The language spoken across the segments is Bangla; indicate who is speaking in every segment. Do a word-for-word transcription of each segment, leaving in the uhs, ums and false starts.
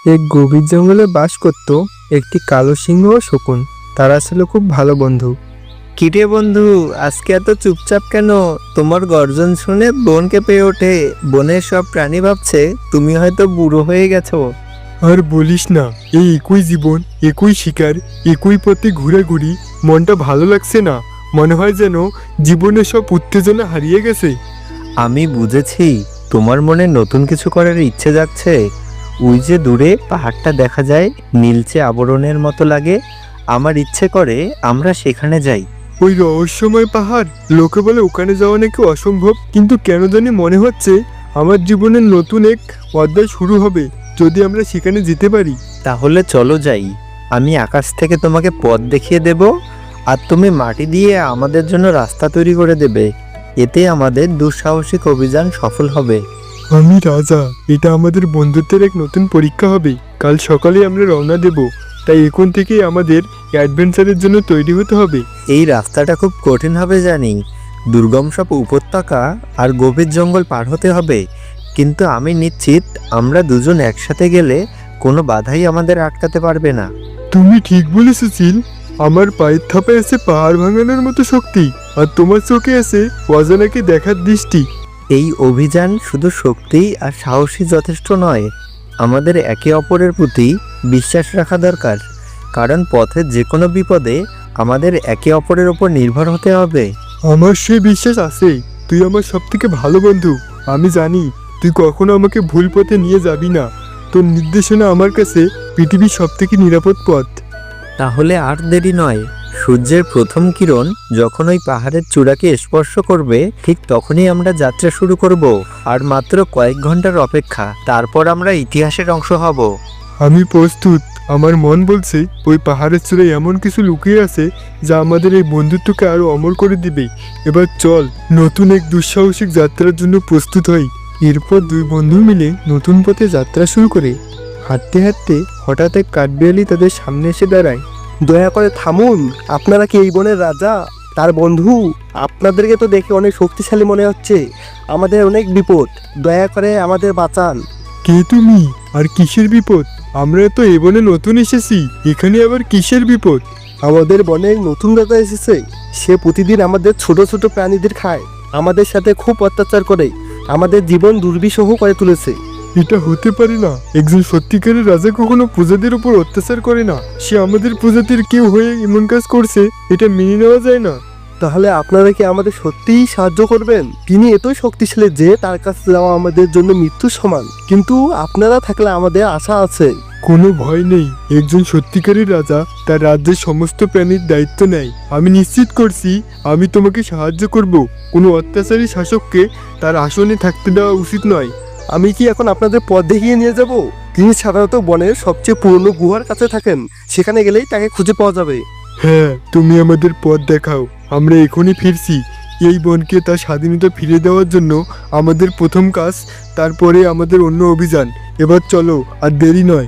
Speaker 1: এক গভীর জঙ্গলে বাস করত একটি কালো সিংহ ও শকুন। তারা ছিল খুব ভালো বন্ধু। কিরে বন্ধু, আজকে এত চুপচাপ কেন? তোমার গর্জন শুনে বন কেঁপে ওঠে। বনের সব প্রাণী ভাবছে তুমি হয়তো বুড়ো হয়ে গেছো।
Speaker 2: আর বলিস না, এই একই জীবন, একই শিকার, একই পথে ঘোরাঘুরি, মনটা ভালো লাগছে না। মনে হয় যেন জীবনের সব উত্তেজনা হারিয়ে গেছে।
Speaker 1: আমি বুঝেছি, তোমার মনে নতুন কিছু করার ইচ্ছে জাগছে। ওই যে দূরে পাহাড়টা দেখা যায়, নীলচে আবরণের মতো লাগে। আমার ইচ্ছে করে আমরা সেখানে যাই।
Speaker 2: ওই রহস্যময় পাহাড়, লোকে বলে ওখানে যাওয়া নাকি অসম্ভব, কিন্তু কেন জানি মনে হচ্ছে আমার জীবনের নতুন এক অধ্যায় শুরু হবে যদি আমরা সেখানে যেতে পারি।
Speaker 1: তাহলে চলো যাই। আমি আকাশ থেকে তোমাকে পথ দেখিয়ে দেব, আর তুমি মাটি দিয়ে আমাদের জন্য রাস্তা তৈরি করে দেবে। এতে আমাদের দুঃসাহসিক অভিযান সফল হবে।
Speaker 2: আমি রাজা, এটা আমাদের বন্ধুত্বের এক নতুন পরীক্ষা হবে। কাল সকালে আমরা রওনা দেব, তাই এখন থেকেই আমাদের অ্যাডভেঞ্চারের জন্য তৈরি হতে হবে।
Speaker 1: এই রাস্তাটা খুব কঠিন হবে জানি, দুর্গম সব উপত্যকা আর গভীর জঙ্গল পার হতে হবে, কিন্তু আমি নিশ্চিত আমরা দুজন একসাথে গেলে কোনো বাধাই আমাদের আটকাতে পারবে না।
Speaker 2: তুমি ঠিক বলেছো চিল। আমার পায়ের থাপায় আছে পাহাড় ভাঙানোর মতো শক্তি, আর তোমার চোখে আছে অজানাকে দেখার দৃষ্টি।
Speaker 1: এই অভিযান শুধু শক্তি আর সাহসী যথেষ্ট নয়, আমাদের একে অপরের প্রতি বিশ্বাস রাখা দরকার। কারণ পথের যে কোনো বিপদে আমাদের একে অপরের ওপর নির্ভর হতে হবে।
Speaker 2: আমার সেই বিশ্বাস আছে। তুই আমার সব থেকে ভালো বন্ধু। আমি জানি তুই কখনো আমাকে ভুল পথে নিয়ে যাবি না। তোর নির্দেশনা আমার কাছে পৃথিবীর সব থেকে নিরাপদ পথ।
Speaker 1: তাহলে আর দেরি নয়, সূর্যের প্রথম কিরণ যখন ওই পাহাড়ের চূড়াকে স্পর্শ করবে, ঠিক তখনই আমরা যাত্রা শুরু করব। আর মাত্র কয়েক ঘন্টার অপেক্ষা, তারপর আমরা ইতিহাসের অংশ হব।
Speaker 2: আমি প্রস্তুত। আমার মন বলছে ওই পাহাড়ের চূড়ায় এমন কিছু লুকিয়ে আছে যা আমাদের এই বন্ধুত্বকে আরো অমর করে দিবে। এবার চল, নতুন এক দুঃসাহসিক যাত্রার জন্য প্রস্তুত হই। এরপর দুই বন্ধু মিলে নতুন পথে যাত্রা শুরু করে। হাঁটতে হাঁটতে হঠাৎ এক কাঠবিড়ালি তাদের সামনে এসে দাঁড়ায়।
Speaker 3: দয়া করে থামুন, আপনারা কি এই বনের রাজা, তার বন্ধু? আপনাদেরকে তো দেখে অনেক শক্তিশালী মনে হচ্ছে। আমাদের অনেক বিপদ, দয়া করে আমাদের বাঁচান।
Speaker 2: কে তুমি, আর কিসের বিপদ? আমরা তো এ বনে নতুন এসেছি, এখানে আবার কিসের বিপদ?
Speaker 3: আমাদের বনে এক নতুন রাজা এসেছে। সে প্রতিদিন আমাদের ছোট ছোট প্রাণীদের খায়, আমাদের সাথে খুব অত্যাচার করে, আমাদের জীবন দুর্বিষহ করে তুলেছে।
Speaker 2: এটা হতে পারে না। একজন সত্যিকারের রাজা কখনো প্রজাদের উপর অত্যাচার করে না। সে আমাদের প্রজাতির কেউ হয়ে এমন কাজ করছে, এটা মেনে নেওয়া যায় না।
Speaker 3: তাহলে আপনারা কি আমাদের সত্যিই সাহায্য করবেন? তিনি এতই শক্তিশালী যে তার কাছে যাওয়া আমাদের জন্য মৃত্যুর সমান, কিন্তু আপনারা থাকলে আমাদের আশা আছে।
Speaker 2: কোনো ভয় নেই। একজন সত্যিকারের রাজা তার রাজ্যের সমস্ত প্রাণীর দায়িত্ব নেয়। আমি নিশ্চিত করছি আমি তোমাকে সাহায্য করব। কোনো অত্যাচারী শাসককে তার আসনে থাকতে দেওয়া উচিত নয়।
Speaker 3: আমি কি এখন আপনাদের পথ দেখিয়ে নিয়ে যাব? তিনি সাধারণত বনের সবচেয়ে পুরনো গুহার কাছে থাকেন, সেখানে গেলেই তাকে খুঁজে পাওয়া যাবে।
Speaker 2: হ্যাঁ, তুমি আমাদের পথ দেখাও। আমরা এখনই ফিরছি। এই বনকে তার স্বাধীনতা ফিরে দেওয়ার জন্য আমাদের প্রথম কাজ, তারপরে আমাদের অন্য অভিযান। এবার চলো, আর দেরি নয়।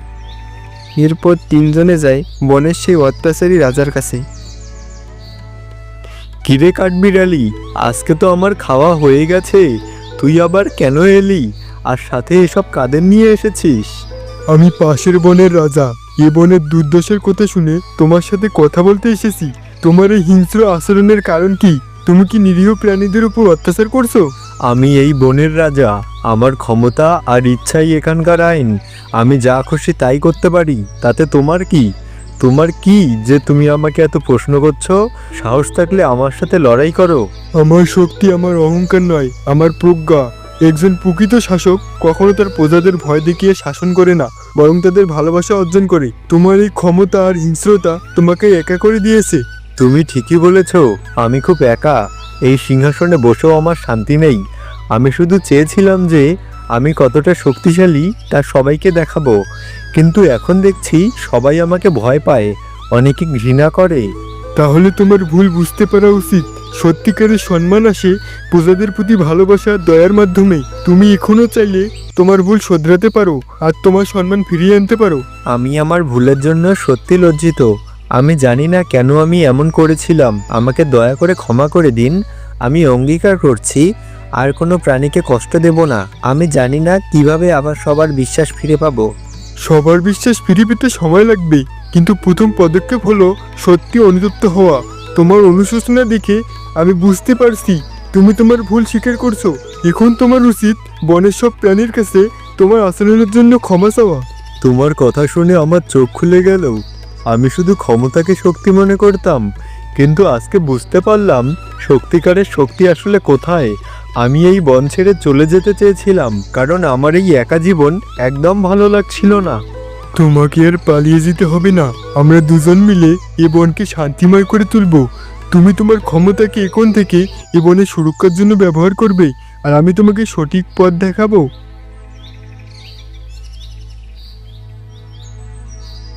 Speaker 1: এরপর তিনজনে যায় বনের সেই অত্যাচারী রাজার কাছে। কিরে কাঠবিড়ালি, আজকে তো আমার খাওয়া হয়ে গেছে, তুই আবার কেন এলি? আর সাথে এসব কাদের নিয়ে এসেছিস?
Speaker 2: আমি পাশের বনের রাজা। এ বনের দুর্দশার কথা শুনে তোমার সাথে কথা বলতে এসেছি। তোমার এই হিংস্র আচরণের কারণ কি? তুমি কি নিরীহ প্রাণীদের উপর অত্যাচার করছো?
Speaker 1: আমি এই বনের রাজা, আমার ক্ষমতা আর ইচ্ছাই এখানকার আইন। আমি যা খুশি তাই করতে পারি, তাতে তোমার কি? তোমার কি যে তুমি আমাকে এত প্রশ্ন করছো? সাহস থাকলে আমার সাথে লড়াই করো।
Speaker 2: আমার শক্তি আমার অহংকার নয়, আমার প্রজ্ঞা। একজন প্রকৃত শাসক কখনো তার প্রজাদের ভয় দেখিয়ে শাসন করে না, বরং তাদের ভালোবাসা অর্জন করে। তোমার এই ক্ষমতা আর হিংস্রতা তোমাকে একা করে দিয়েছে।
Speaker 1: তুমি ঠিকই বলেছ, আমি খুব একা। এই সিংহাসনে বসেও আমার শান্তি নেই। আমি শুধু চেয়েছিলাম যে আমি কতটা শক্তিশালী তা সবাইকে দেখাবো, কিন্তু এখন দেখছি সবাই আমাকে ভয় পায়, অনেকে ঘৃণা করে।
Speaker 2: তাহলে তোমার ভুল বুঝতে পারা উচিত। সত্যিকারের সম্মান আসে প্রজাদের প্রতি ভালোবাসা আর দয়ার মাধ্যমে। তুমি এখনো চাইলে তোমার ভুল শোধরাতে পারো আর তোমার সম্মান ফিরিয়ে আনতে পারো।
Speaker 1: আমি আমার ভুলের জন্য সত্যি লজ্জিত। আমি জানি না কেন আমি এমন করেছিলাম। আমাকে দয়া করে ক্ষমা করে দিন। আমি অঙ্গীকার করছি আর কোনো প্রাণীকে কষ্ট দেব না। আমি জানি না কিভাবে আবার সবার বিশ্বাস ফিরে পাবো।
Speaker 2: সবার বিশ্বাস ফিরে পেতে সময় লাগবে, কিন্তু প্রথম পদক্ষেপ হলো সত্যি অনুতপ্ত হওয়া। তোমার অনুশোচনা দেখে আমি বুঝতে পারছি তুমি তোমার ভুল স্বীকার করছো। এখন তোমার উচিত বনের সব প্রাণীর কাছে তোমার আচরণের জন্য ক্ষমা চাওয়া।
Speaker 1: তোমার কথা শুনে আমার চোখ খুলে গেল। আমি শুধু ক্ষমতাকে শক্তি মনে করতাম, কিন্তু আজকে বুঝতে পারলাম সত্যিকারের শক্তি আসলে কোথায়। আমি এই বন ছেড়ে চলে যেতে চেয়েছিলাম, কারণ আমার এই একা জীবন একদম ভালো লাগছিল না।
Speaker 2: তোমাকে আর পালিয়ে যেতে হবে না, আমরা দুজন মিলে এ বনকে শান্তিময় করে তুলব। তুমি তোমার ক্ষমতাকে এখন থেকে এ বনের সুরক্ষার জন্য ব্যবহার করবে, আর আমি তোমাকে সঠিক পথ দেখাবো।